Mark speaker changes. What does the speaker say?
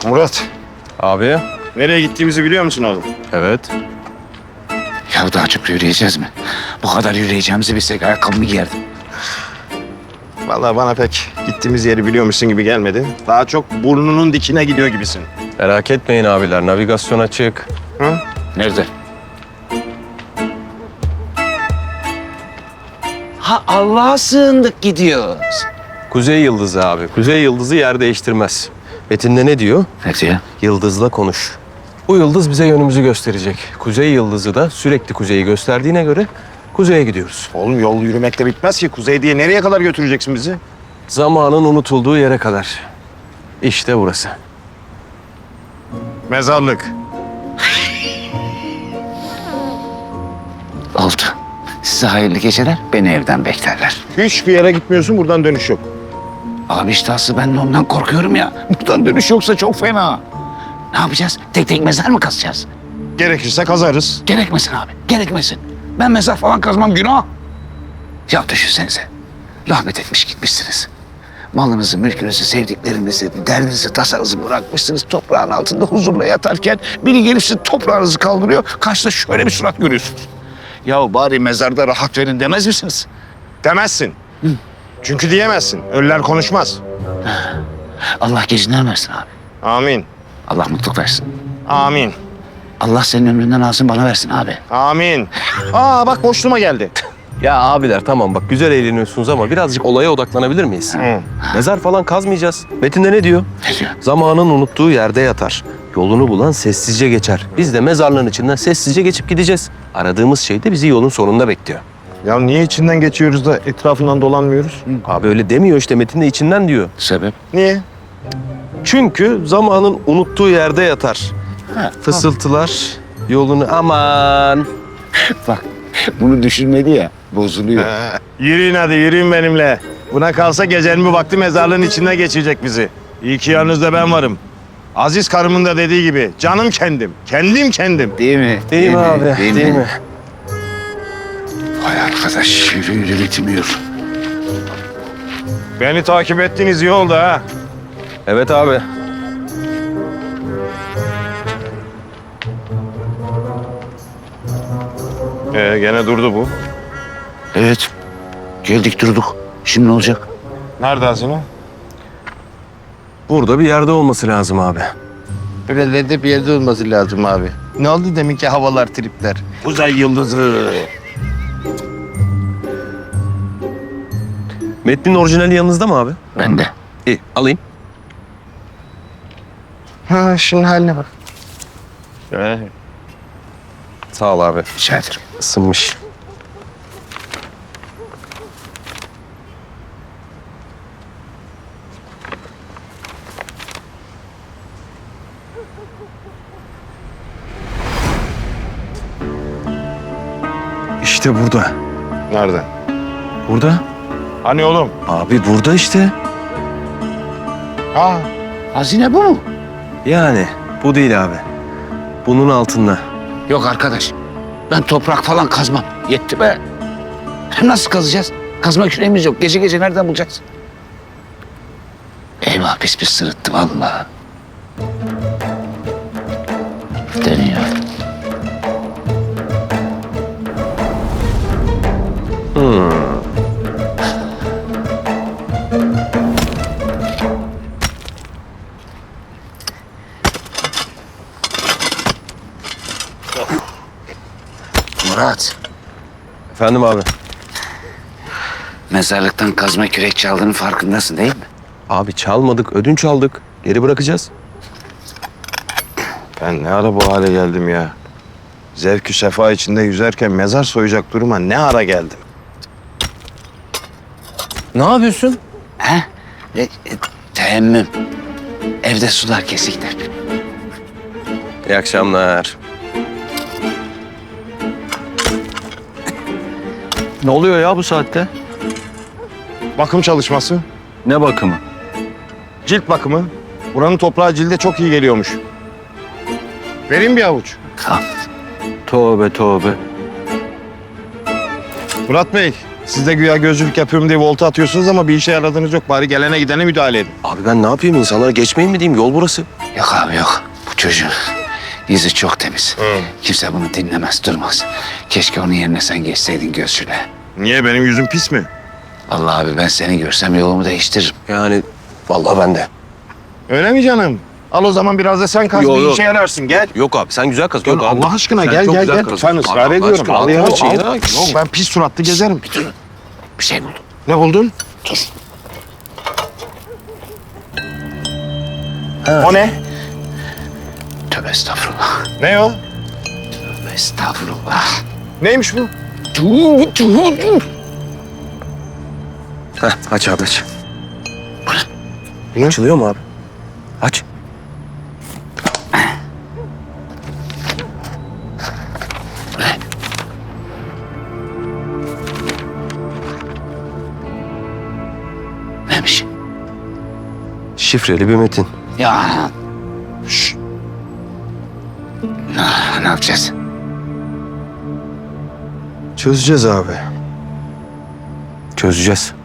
Speaker 1: Murat,
Speaker 2: Abi.
Speaker 1: nereye gittiğimizi biliyor musun oğlum?
Speaker 2: Evet.
Speaker 3: Ya daha çok yürüyeceğiz mi? Bu kadar yürüyeceğimizi bilsek ayakkabımı giyerdim.
Speaker 1: Vallahi bana pek gittiğimiz yeri biliyormuşsun gibi gelmedi. Daha çok burnunun dikine gidiyor gibisin.
Speaker 2: Merak etmeyin abiler. Navigasyon açık.
Speaker 1: Hı?
Speaker 3: Nerede? Ha Allah'a sığındık gidiyoruz.
Speaker 2: Kuzey Yıldızı abi. Kuzey Yıldızı yer değiştirmez. Metinde ne diyor?
Speaker 3: Ne diyor?
Speaker 2: Yıldızla konuş. Bu yıldız bize yönümüzü gösterecek. Kuzey Yıldızı da sürekli kuzeyi gösterdiğine göre kuzeye gidiyoruz.
Speaker 1: Oğlum yol yürümekle bitmez ki. Kuzey diye nereye kadar götüreceksin bizi?
Speaker 2: Zamanın unutulduğu yere kadar. İşte burası.
Speaker 1: Mezarlık.
Speaker 3: Oldu. Size hayırlı geceler. Beni evden beklerler.
Speaker 1: Hiçbir yere gitmiyorsun, buradan dönüş yok.
Speaker 3: Abi işte aslı ben de ondan korkuyorum ya. Buradan dönüş yoksa çok fena. Ne yapacağız? Tek tek mezar mı kazacağız?
Speaker 1: Gerekirse kazarız.
Speaker 3: Gerekmesin abi. Gerekmesin. Ben mezar falan kazmam günah. Ya düşünsenize. Rahmet etmiş gitmişsiniz. Malınızı, mülkünüzü, sevdiklerinizi, derdinizi, tasanızı bırakmışsınız. Toprağın altında huzurla yatarken biri gelip sizin toprağınızı kaldırıyor. Karşıda şöyle bir surat görüyorsunuz. Ya bari mezarda rahat verin demez misiniz?
Speaker 1: Demezsin. Çünkü diyemezsin. Ölüler konuşmaz.
Speaker 3: Allah gecinden versin abi.
Speaker 1: Amin.
Speaker 3: Allah mutluluk versin.
Speaker 1: Amin.
Speaker 3: Allah senin ömründen alsın bana versin abi.
Speaker 1: Amin. Aa bak boşluğuma geldi.
Speaker 2: Ya abiler tamam bak güzel eğleniyorsunuz ama birazcık olaya odaklanabilir miyiz?
Speaker 1: Hı.
Speaker 2: Mezar falan kazmayacağız. Metinde ne diyor?
Speaker 3: Ne diyor?
Speaker 2: Zamanın unuttuğu yerde yatar. Yolunu bulan sessizce geçer. Biz de mezarlığın içinden sessizce geçip gideceğiz. Aradığımız şey de bizi yolun sonunda bekliyor.
Speaker 1: Ya niye içinden geçiyoruz da etrafından dolanmıyoruz?
Speaker 2: Abi öyle demiyor işte metinde içinden diyor.
Speaker 3: Sebep?
Speaker 1: Niye?
Speaker 2: Çünkü zamanın unuttuğu yerde yatar. Fısıltılar yolunu aman.
Speaker 3: Bak bunu düşünmedi ya bozuluyor.
Speaker 1: Yürüyün hadi yürüyün benimle. Buna kalsa gecenin bir vakti mezarlığın içinden geçirecek bizi. İyi ki yanınızda ben varım. Aziz karımın da dediği gibi canım kendim. Kendim kendim.
Speaker 3: Değil mi?
Speaker 2: Değil mi abi? Değil mi?
Speaker 3: Vay arkadaş yürü yürü bitmiyor.
Speaker 1: Beni takip ettiğiniz iyi oldu ha.
Speaker 2: Evet abi.
Speaker 1: Gene durdu bu.
Speaker 3: Evet. Geldik durduk. Şimdi ne olacak?
Speaker 1: Nerede hazine?
Speaker 2: Burada bir yerde olması lazım abi.
Speaker 1: Buralarda bir yerde olması lazım abi. Ne oldu deminki havalar tripler? Uzay yıldızı.
Speaker 2: Metnin orijinali yanınızda mı abi?
Speaker 3: Ben de.
Speaker 2: İyi alayım.
Speaker 1: Ha şunun haline bak.
Speaker 2: Sağ ol abi.
Speaker 3: Rica ederim.
Speaker 2: Isınmış. İşte burada.
Speaker 1: Nerede?
Speaker 2: Burada.
Speaker 1: Hani oğlum?
Speaker 2: Abi burada işte.
Speaker 1: Ha.
Speaker 3: Hazine bu mu?
Speaker 2: Yani bu değil abi. Bunun altında.
Speaker 3: Yok arkadaş. Ben toprak falan kazmam. Yetti be. Nasıl kazacağız? Kazma küreğimiz yok. Gece gece nereden bulacağız? Eyvah pis pis sırıttı vallahi. Dönüyor. Murat,
Speaker 2: Efendim abi.
Speaker 3: mezarlıktan kazma kürek çaldığının farkındasın değil mi?
Speaker 2: Abi çalmadık, ödünç aldık. Geri bırakacağız.
Speaker 1: Ben ne ara bu hale geldim ya? Zevkü sefa içinde yüzerken mezar soyacak duruma ne ara geldim?
Speaker 2: Ne yapıyorsun?
Speaker 3: He? Teyemmüm. Evde sular kesikler.
Speaker 2: İyi akşamlar. Ne oluyor ya bu saatte?
Speaker 1: Bakım çalışması,
Speaker 2: Ne bakımı?
Speaker 1: cilt bakımı. Buranın toprağı cilde çok iyi geliyormuş. Vereyim bir avuç.
Speaker 3: Al.
Speaker 2: Tövbe tövbe.
Speaker 1: Murat Bey, siz de güya gözcülük yapıyorum diye volta atıyorsunuz ama bir işe yaradığınız yok. Bari gelene gidene müdahale edin.
Speaker 2: Abi ben ne yapayım? İnsanlara geçmeyin mi diyeyim? Yol burası.
Speaker 3: Yok abi yok. Bu çocuğun yüzü çok temiz. Kimse bunu dinlemez, durmaz. Keşke onun yerine sen geçseydin gözcüle.
Speaker 1: Niye, benim yüzüm pis mi?
Speaker 3: Vallahi abi ben seni görsem yolumu değiştiririm.
Speaker 2: Yani vallahi ben de.
Speaker 1: Öyle mi canım? Al o zaman biraz da sen kaz,
Speaker 2: Yok,
Speaker 1: bir
Speaker 2: yok.
Speaker 1: işe yararsın. Gel.
Speaker 2: Yok abi sen güzel kaz.
Speaker 1: Gel
Speaker 2: Yok abi.
Speaker 1: Allah aşkına
Speaker 2: Sen
Speaker 1: gel
Speaker 2: çok
Speaker 1: gel
Speaker 2: güzel
Speaker 1: gel.
Speaker 2: kaz.
Speaker 1: Lütfen ısrar
Speaker 2: Allah
Speaker 1: ediyorum.
Speaker 2: aşkına,
Speaker 1: Al ya,
Speaker 2: Allah aşkına
Speaker 1: al.
Speaker 2: ya.
Speaker 1: Yok, ben pis suratlı gezerim.
Speaker 3: Bir şey buldum.
Speaker 1: Ne buldun?
Speaker 3: Dur.
Speaker 1: O ne?
Speaker 3: Tövbe estağfurullah.
Speaker 1: Ne o?
Speaker 3: Tövbe estağfurullah.
Speaker 1: Neymiş bu?
Speaker 3: Dur.
Speaker 2: Heh, aç abi aç.
Speaker 1: Ne?
Speaker 2: Açılıyor mu abi? Aç.
Speaker 3: Neymiş?
Speaker 2: Şifreli bir metin.
Speaker 3: Ya. Şşş. Ne yapacağız?
Speaker 2: Çözeceğiz abi. Çözeceğiz.